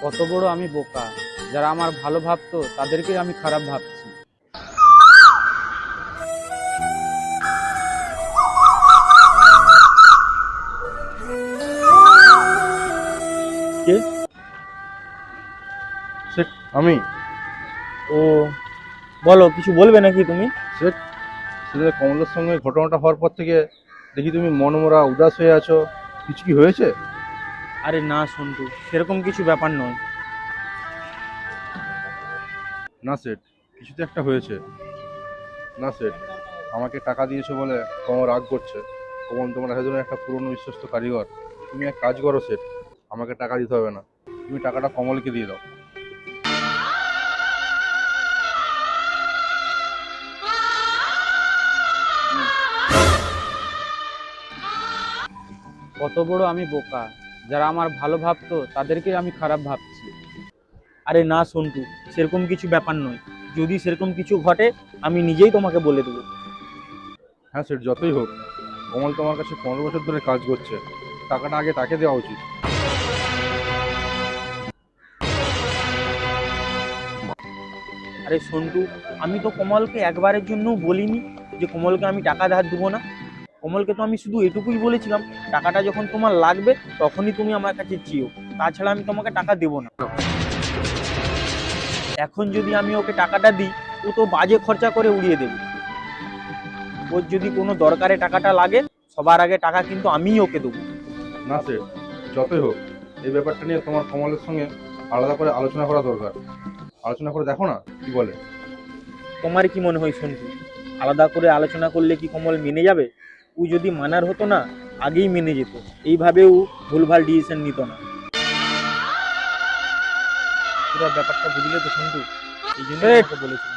কত বড় আমি বোকা, যারা আমার ভালো ভাবতো তাদেরকে আমি খারাপ ভাবছি। কে? শেখ, আমি। ও, বলো, কিছু বলবে নাকি তুমি? শেখ, সেদিন কমলের সঙ্গে ঘটনাটা হওয়ার পর থেকে দেখি তুমি মনমরা উদাস হয়ে আছো। কিছু কি হয়েছে? আরে না সন্টু, সেরকম কিছু ব্যাপার নয়। না সেট, কিছু তো একটা হয়েছে। না সেট, আমাকে টাকা দিয়েছো বলে কমল রাগ করছে। কমল তোমার একজনের একটা পুরনো বিশ্বস্ত কারিগর। তুমি এক কাজ করো সেট, আমাকে টাকা দিতে হবে না, তুমি টাকাটা কমলকে দিয়ে দাও। কত বড় আমি বোকা, যারা আমার ভালো ভাবতো তাদেরকে আমি খারাপ ভাবছি। আরে না সন্টু, সেরকম কিছু ব্যাপার নয়। যদি সেরকম কিছু ঘটে আমি নিজেই তোমাকে বলে দেবো। হ্যাঁ সেট, যতই হোক কমল তোমার কাছে 15 বছর ধরে কাজ করছে, টাকাটা আগে তাকে দেওয়া উচিত। আরে সন্টু, আমি তো কমলকে একবারের জন্য বলিনি যে কমলকে আমি টাকা ধার দেবো না। কমলকে তো আমি শুধু এটুকুই বলেছিলাম, টাকাটা যখন তোমার লাগবে তখনই তুমি আমার কাছে চেয়েও, তাছাড়া আমি তোমাকে টাকা দেবো না। এখন যদি আমি ওকে টাকাটা দিই, ও তো বাজে খরচা করে উড়িয়ে দেবে। ওর যদি কোনো দরকারে টাকাটা লাগে, সবার আগে টাকা কিন্তু আমিই ওকে দেবো। না সেট, যতই হোক এই ব্যাপারটা নিয়ে তোমার কমলের সঙ্গে আলাদা করে আলোচনা করা দরকার। আলোচনা করে দেখো না কি বলে। তোমার কি মনে হয় সন্টু, আলাদা করে আলোচনা করলে কি কমল মেনে যাবে? ও যদি মানার হতো না, আগেই মেনে যেত। এইভাবেও ভুলভাল ডিসিশন নিত না। পুরো ব্যাপারটা বুঝলে তো সন্টু, এই জন্য বলেছি।